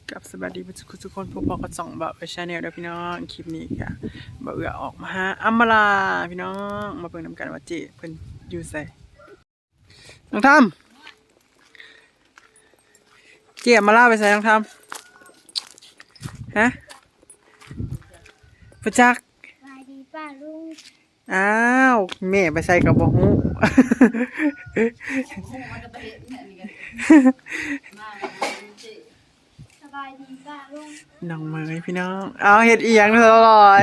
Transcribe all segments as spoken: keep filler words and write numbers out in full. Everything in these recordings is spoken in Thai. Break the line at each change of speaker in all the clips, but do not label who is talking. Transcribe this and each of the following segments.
กับสวัสดีทุกคนพวกเราก็ส่องแบบไปชาแนลเด้อพี่น้องคลิปนี้ค่ะบ่เอื้อออกมาหาอัมมาลาพี่น้องมาเบิ่งนำกันว่าเจ๊เพิ่นอยู่ไสน้องทำเจ๊อัมมาลาไปไสน้องทำฮะประจักษ์
สวัสดีป้าลุง
อ้าวแม่ไปใส่กับบ่ฮู้
สบายดีป้าลุง
น้องเมยพี่น้องเอาเฮ็ดอีหยังเถอะลอย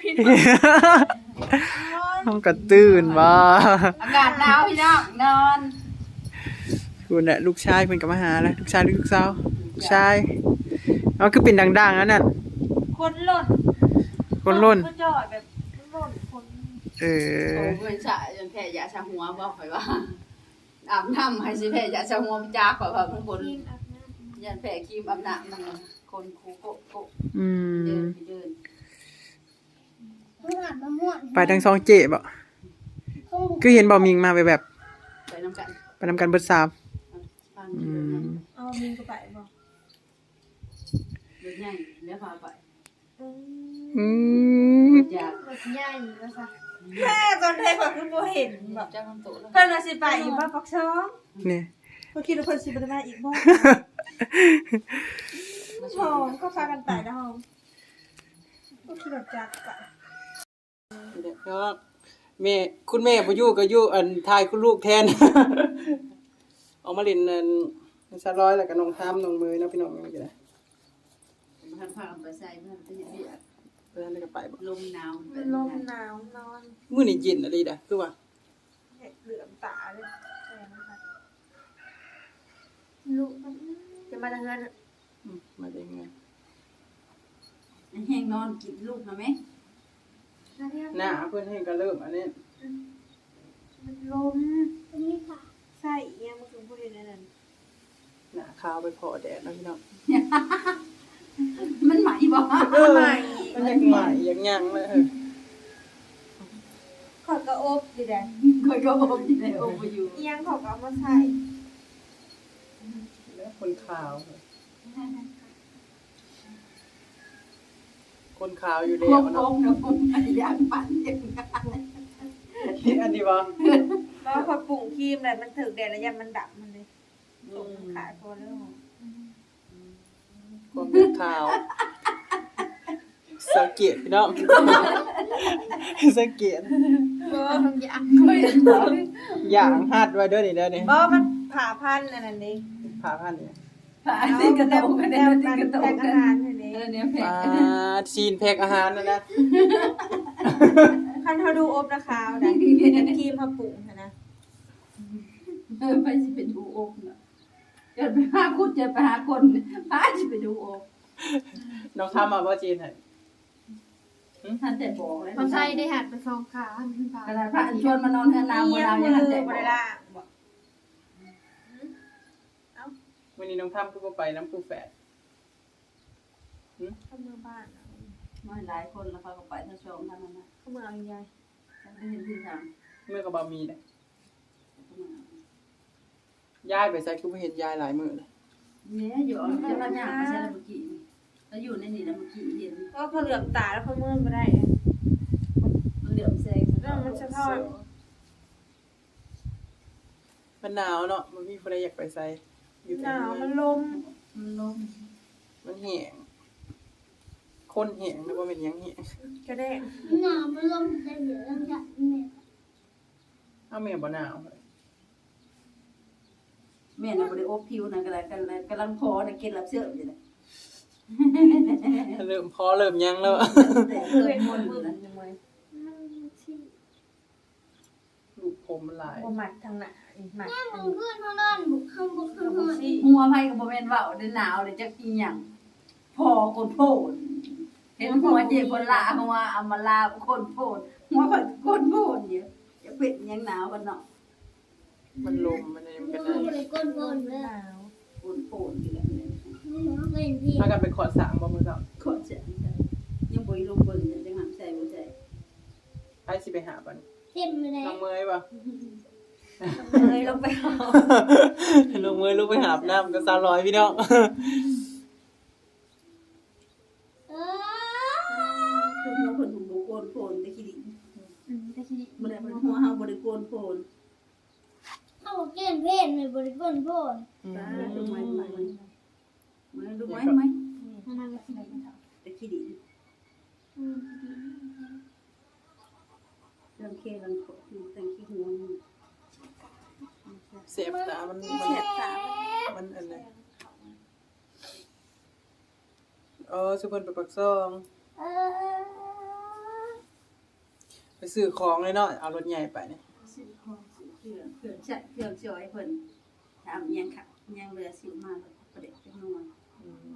น้องก็ตื่นบ่
อากาศหนาวพี่น้องนอน
คุณน่ะลูกชายเพิ่นก็มาหาแล้วลูกชายหรือลูกสาวลูกชายเอาคือเป็นดังๆนั่นน่ะ
คนหล่น
คนล้น
ก็จอดแบบหล่นคน
เออ
โอ้เพิ่นสะจนแพ้ยาชาหัวบอกข่อยว่าอาบน้ำให้สิแพ้ยาชาหัวมันจ้าข่อยว่าเพิ่นบ่
ทีมอาบน้
ยันแพ้ครีมอาบน้ำมันคนคูโกโก
อื
เดิ
ม
นไปเดิน
ำเมื่ออาบน้ำม่วน
ไปทั้งสองเจ๊บ่
ห้องบุก
คือเห็นบ่มิงมาไปแบบ
ไปน้ำกัน
ไปนำกันเบิดสาม
ฟัง
อื
เดิน
ม
เอามิงก็ไปบ่
เดินใหญ่แล้วพาไป
อืม
อืม
อยาก
รถใหญ่ก็ซะ
แค่ตอนไทยเขาคือบ่เห็นแบบ
จ้าคำโตแล้ว
เพิ่นว่าสิไปอีกบ่ปักช่อง
นี่
เพิ่นคิดว่าเพิ่นสิบ่ได้มาอีกบ่หอมก็พากันไปนะหอมก็คิดว่าจักกะ
เนาะแม่คุณแม่บ่อยู่ก็อยู่อันทายคุณลูกแทน ออกมาเล่นอันซะร้อยแล้วก็น้องทามน้องเมยเนาะพี่น้องนี่ก็ได้
มันพากันไปใส่เพื่อนไปเฮ็ดเวียก
เพิ่นได้ก็ไปบ่
ลมหนาว
มันลมหนาวนอน
มื้อนี้เย็นอะลีดะคือว่า
เห็ดเหลือมตาเลยแซ่บมาก
ลูกจะมาทางนั้น
อืมมาได้ไง
แห้งนอนกินลูกนะแม่
นะเนี่ย
หน้าเพิ่นให้ก็เริ่มอันนี้
มันลมอันนี้ค่ะ
ใส่อีหยังมันคือบ่เห็นอันนั้น
หน้าขาวไปพอแดดเนาะพี่น้อง
มันไหมบ่
เออมันยังใหม่ยังยังเลยเออ
ขอยก็อบดิแดะ
ข่อยก็บ่อยู่ในโอ้บ่อยู่
อีหยังเขาก็เอามาใส่
แล้วคนขาว คนขาวอยู่
โค
เดียว
ก
เนาะ
ๆนะผมอยากปั่นอย่างนั้น
นี่อันนี้บ่
เพราะว่าพอปรุงครีมแล้วมันถึกแดดแล้วยามมันดับมันเลยตรงขาโคนแล้วหอม
คนเป็นขาวสังเกตพี่น้อง สังเกต
บ่
ต้องอยาก
อย่างหัดไว้เด้อนี่เด้อนี่
บ่มันผ่าพันธุ์อันนั้นนี่
ผ่าพันนี่
ผ่าที่กระโตกกัน
แน
เนี่ยว ที่
การ
กระโต
แพ็
ก
ค
กั
อาน หารนี่นี่
เออเนี่ยแพ้
ปลาชีนแพ็คอาหารนั่นนะ
คันเขาดูอบนะคาวนะครีมเขาปรุงหั้นนะ
เออไปสิไปดูอกน่ะเดี๋ยวไปหาคุณจะไปหาคนพาสิไปดูอก
น้องทำมาบ่จีนให้
ท่านแต่บอกแล้ว
เขาใช้ได้หัดไปสองขาขึ้นไป
ขนาดพระชวนมานอนเฮือนนาง
เยี่
เมื่
ย
อ
ม
เรา
มื
ยัง
อ
ท่านแต่
บบ
อ
ริ
ก
ล่างบอก
วันนี้น้องทำคือบ่ไปน้ำผู้แฝด
เข้าเมืองบ้านอะ
มาหลายคนแล้วเขาก็ไปทั้งสองท่านนั้นนะ
เข้าเมืองเอาใหญ่
ไม่เห็นที่ทาง
เมื่อก็บ่มีเลยย้ายไปใส่คือบ่เห็นยายหลายมื้อเลย
เนี่ยอยู่เอาจะมาย่างไม่ใช่แล้วเมื่อกี้แล้วอยู่ในนี่แล้วเมื่อกี้เห็น
ก็เขาเหลือมตาแล้วเขาเมืองไม่ได้
มันเหลือมแซง
เรื่องมันสะท้อน
มันหนาวเนาะมันมีผู้ใดอยากไปใส่อยู่
ห
แต่
นาว
เมื
มั
อน ง
ลม
มันลม
มันแห้งคนแห้งนึกว่าเป็นหยังแห้ง
กระแดง
หนาวมันลมแต่เดี๋ยวเราจะแม่
เอาแม่บ่หนาวเลย
แม่น่ะบ่ได้อบผิวนะกำลังกำลังกำลังพอนะกินรับเสื้ออยู่นะ
เริ่มพอเริ่มยังแล้ว
แต่
เพื่
เกิ
อน
น
ค
คน น
มื
มื
อ
อ
มั
นะ
นยังไง
มันที่
ลูกผมมันหลาย
บ่หมัดทางหน้าอีกหมัด
แม่มึงเพื่อนเขานอนบุกข้างบุกข้าง
กับ
นอน
ซี่
หัวไผก็บ่แม่นเว้าได้หนาวเลยจักอีหยังพอคนโพดเห็นหัวเจ็บคนละหัวอำมาลาคนโพดหัวข่อยคนโพดอยู่จะเป็นหยังหนาวกันเนาะ
มันลมมันอะไรมัน
มึ
กัน
ง
นะ
เลยก้นก้น
ห
เลย
นาว
คนโพดอยู่แล้วเนี่ย
มึงเป็นพี่
ถ้ากันไปขอดสางบ่มือเนาะ
ขอดเสียงใส่ยังบ่ลงเบิ่งจังหันใส่บ่ใส่
ไปสิไปหาบัน
เต็มเลย
น้องเมยป่ะ
เลยลงไปเอา
น้องเมยลูกไปหาบน้ำก็สามร้อยพี่น้อง
บริโกนโพน
เอาเกณฑ์เพศในบริกรโพน
อืม
ดูไหมไหมไหมดูไหมไหม
มันทำอะไร
ตะขี้ดิเรื่องเครังโขแต่งขี้หัว
เสียบตามันมัน
เสียบตา
มันอันไหนเออสุพรรณไปปักซอง
เออ
ไปซื้อของเลยเนาะเอารถใหญ่ไปเนี่ย
ซื้อของซื้อเครื่องเครื่องจัดเครื่องช่วยเพิ่นถามยังค่ะยังเหลือสิมาแล้วประเด็กจังหน่อย
อืม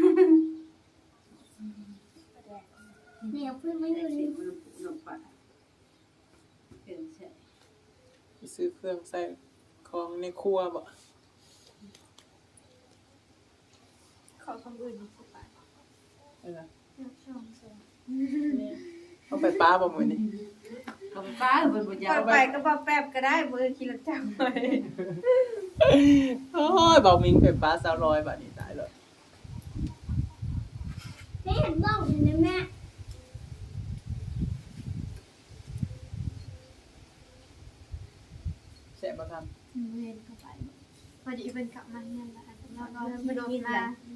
เนี่ยเพื่อนไม่
ได้
อยู่
สิ
ใน
มันลงไปเครื่องใช้
ไปซื้อเครื่องใส่ของในครัวบ่
ขอคำอื่นสิบาท
เออ
ช่องสอง
เอาไปป้าบ่มื้อนี้
ก็ไปป้าเพิ่นบ่อยา
ป
ก
ไปก็บ่แป๊บก็ได้มือขี่รถจักรไป
โอ้ยบอกมิงไปป้าสาวร้อยบาทนี่ตายเลย
ให้เห็นบ้องเห็นไหมแม่
แซ่บบ่ทัน
เรียนเข้าไปพอดีเป็นกลับมาเรียนแล้วเราเราไม่โดนมา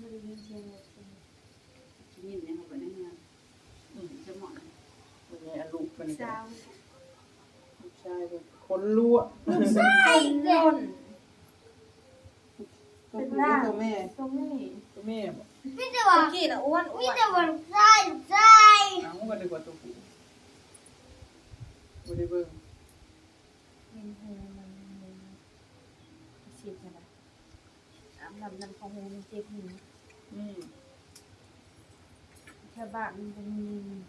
ยินเนี่ยเขาไปนั่งงานจะเหมาะ
วันนี้อันลูกเพิ่นนี่ก็
เช้า
ลูกชายเพิ่นคนรั่ว
ไอ้เด็ก
ต้น
ตัวผู้หรือตัวแม่
ตรงนี้
ตัวแม่บ่
พี่จะว่า
เมื่อกี้น่ะอ้วนอ้
พี่
วน
จะว่าใช่ใช่
เอ้าก็นึกว่าตัวผู้บ่ได้เบิ่ง
เห็นหูมันฉีดนะน้ำน้ำน้ำของหูมันเจ็บหู
อืม
แค่บ้านมันจะมี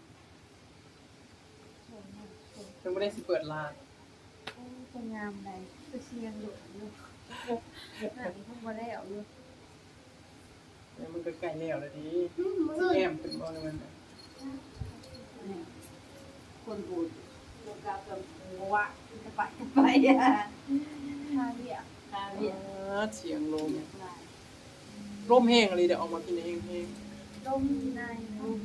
เพิ่นบ่ได้สิเปิดร้าน
จะงามใดก็เชียงอยู่อยู่นั่นเพิ่งมาแล้วอยู่
เดี๋ยวมันก็ใกล้แล้วแล้วดิ
สุด
แก้มขึ้นบ่นี่มัน
คนบูดโลกากับหัวจะไปจะไปอ่ะ
ข้าวเรียก
ตา
อ่
เรียก
าเสียงลม
เรียกลาย
ลมแห้งเลยเดี๋ยวออกมากินเองเอง
ลมในลม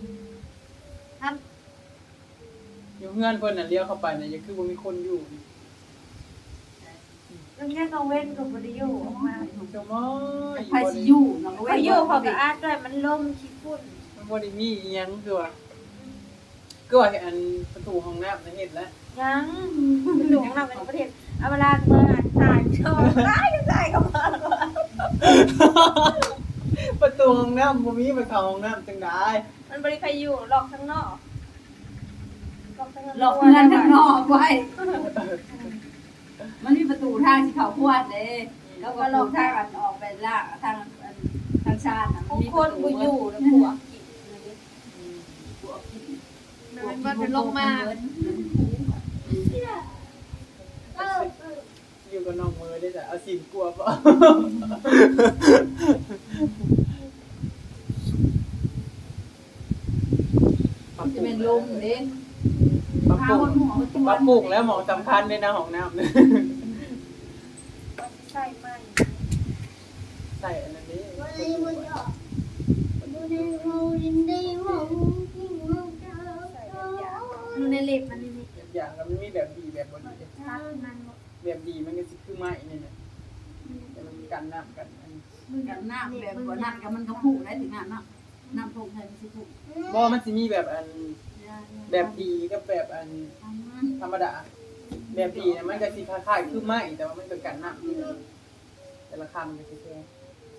อยู่เฮือนเพิ่นน่ะเลี้ยวเข้าไปน่ะยังคือบ่มีคนอยู่นี่
แล้วแง่กังเว้นกับบริโยออกมา
เจ้าม้อย
ไผสิอยู่เนาะ
บริโยเขาก็อาดด้วยมันล่มขี้ฝุ่น
มันบ่ได้มีอีหยังคือว่าคือว่าอันประตูห้องน้ำน่ะเฮ็ดแล้ว
ยังหลวงเราเป็นประเทศเอาเวลาเมื่อตายชอบตายตายก็มา
ประตูห้องน้ำบ่มีไปเข้าห้องน้ำจังได๋
มันบริใครอยู่หลอกข้างนอกหลอกข้างนอก
หลอกเงินข้างนอกไว้มันมีประตูทางที่เขาพวดเด้แล้วก็หลอกทางอันออกไปล่างทางทางชาติน่ะ
บางคนกูอยู่แล้วผัวกิน
พวกกิน
มันมันเป็นโรคมาก
เออ
อยู่กับน้องมือได้จ้ะเอาสินกลัวบ่
จะเป็นลมเด้
ปรับป
พา
รุ
ค
ง
นหัวตัว
ปรับปรุงแล้วหมองสำคัญด้วยนะห้องน้ำเนี่ย
ใช่ไหม
ใส่อันนั้นนี้
วันนี้มันจะดูในห้องดินได้ห้องที่ห้องเจ้า
ดูในเล็บมันนี่
อย่างแล้วมันมีแบบดีแบบบ่ดี
ทักมัน
แบบดีมันก็สิคือไม้นี่น่ะแต่มันกันน้ำกันอัน
กันน้ำแบบบ่นั่นก็มันก็ผูกได้ถึงน้ำเนาะน้ำผูกให้มันสิผูก
บ่มันสิมีแบบอันแบบดีกับแบบอันธรรมดา แบบดีเนี่ยมันก็สิคล้ายๆคือไม้แต่ว่ามันก็กันน้ำอยู่แต่ละคำมันก็สิแพง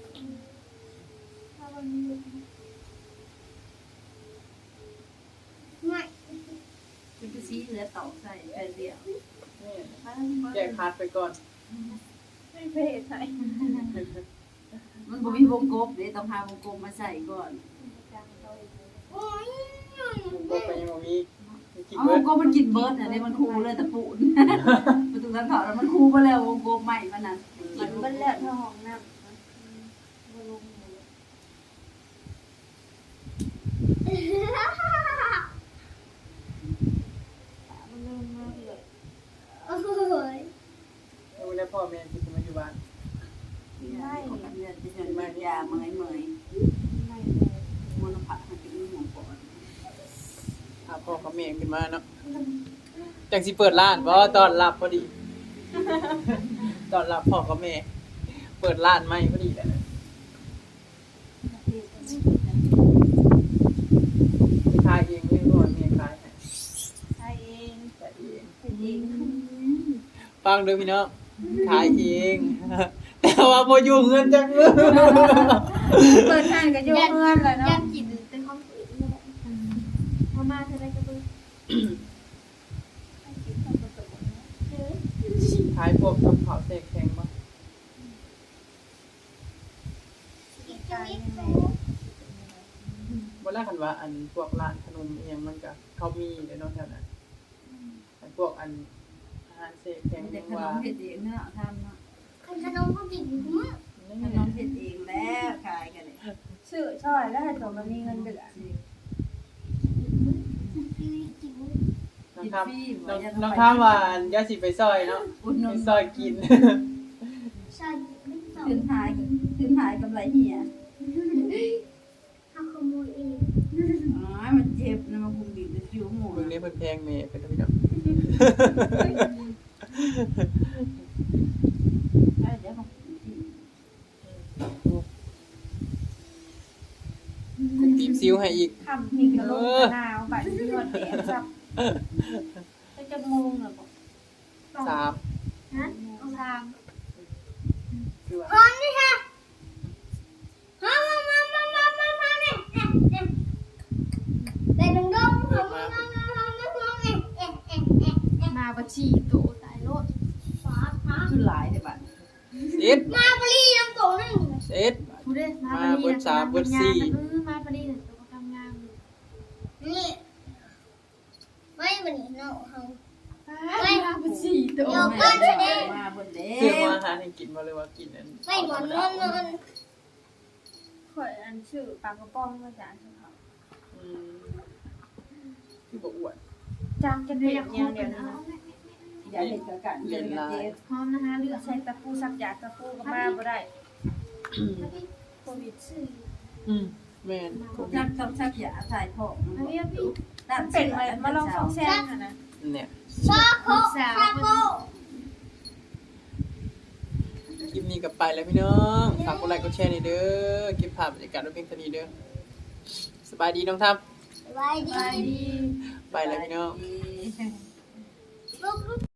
ไม่
เป็นกระซีเหลือต่อใส่ไปเดียว
นี่แยกพาร์ทไปก่อน
ไม่เพศใช่
มันบ่มีวงกบเด้ต้องหาวงกบมาใส่ก่อน
โอ้ย
มันก็ไปยังบ่มีกิน
เอา
เบิ
ว
ด
งกบมันกินเบิร์ดอันนี้มันคูเลยตะปูนประตูทางเขาแล้วมันคูไปแล้ววงกบใหม่มันน่ะ
กินมันแล้วท้องน้ำมันลง มันเริ่มมากเลย
โอ้ย
ดูแลพ่อแม่ที่มาอยู่บ้าน
ไม่เดือนจะเดินมายาเมยเมย
ไม่เลย
มลภะมันจะมีหมองปอด
พาพ่อกับแม่ขึ้นมาเนาะจังสิเปิดร้านบ่ตอนรับพอดี ตอนรับพ่อกับแม่ เปิดร้านใหม่พอดีแหละขายเองเลยบ่แม่ขายให้
ใช่เอง
ขายเอง
เป็นเอง
ฟังเด้อพี่น้องขายเอง แต่ว่าบ่อยู่เงินจังเลย
เปิดห้างก็อยู่เพื่อนเลย
ยั
เนาะ
นจิตเป็นของตัวเองเลยพอมาเท่าไรก็ดู
ขายพวกกับข้าวเสกแข็งบ่
จะมีโซ่
บ่แลกกันว่าอันพวกร้านขนมอีหยังมันก็เขามีเด้อเนาะแถวนั้นอันพวกอันอาหารเสกแข็ง
มีแต่
จัง
ขน
ว่าม
เฮ็ดเองเนาะทำเนาะ
ขนมก็กินมื้อ
ขนมเฮ็ดเองแล้วขายกันเลย
ซื้อช่อยแล้วให้ตัวมันมีเงินเดือน
กิน
น้องคำน้องน้องคำว่าอันอย่าสิไปซอยเนาะ
อุดหนุ
ไป
น
ซอยกิน
ใช่ไม่ต้อง
ขึ้นหายขึ้นหายกำไรเหี่ย
เอาขโมยเอง
อ๋อมันเจ็บนะมันคุมบีบจะคิ้วหมู
เบิ่งนี้เพิ่นแพงแม่เป็นพี่น้อง
เดี๋ยวของที่
คุกตีบซิวให้อีก
คำนี่ก็ลงมะนาวบัดนี้หอดแดดซับจะจะงงเหรอบอก
สาม
ฮะ
เอาทาง
คือว่า
พร้อมนี่ค่ะมามามามามามามาเนี่ยแต่ดึงดงมามามามามามาเอ๊ะเอ๊ะเอ๊ะเอ๊ะเอ๊ะ
มาบัชีโตตายโลด
ฟ้าฟ้า
ขึ้นหลายแต่บัด
เอ็ด
มาปรีน้ำโตนึง
เอ็ด
พูดได้มา
มาเบิดสามเบิดสี่
เออมาปรีเนี่ยตัวทำงาน
นี่ไม่วันนี้เนาะเขา
ไม่มาบัชีโต
เดี๋ยวก่อนเด้
มาบนเด้
ซื้อมาอาหารให้กินบ่เลยว่ากินอัน
ไม่หมอนนอนนอน
ข่อยอันชื่อปลากระป๋องมาจากเขา
อืมคือบ่อ้วน
จางกันเลยอย่างเดียวนะ
อย่าเห็นกับกันเย็นเจ็บ
พร้อมนะคะเลือกใช้ตะปูสักอยากตะปูก็มาบ่ได้โควิดซื่อ
อืมแม่น
ชักต้องชักยาถ่ายท้อง
อันนี้พี่
ตัด
เป็นเลยมาลองฟองแซงค่ะนะ
เนี่ย
ชาโคชาโค
คลิปนี้ก็ไปแล้วพี่น้องฝากกดไลค์กดแชร์หน่อยเด้อเก็บภาพบรรยากาศไว้เพียงเท่านี้เด้อสบายดีน้องทำ
สบายดี
ไปดี
ไปแล้วพี่น้อง
ดี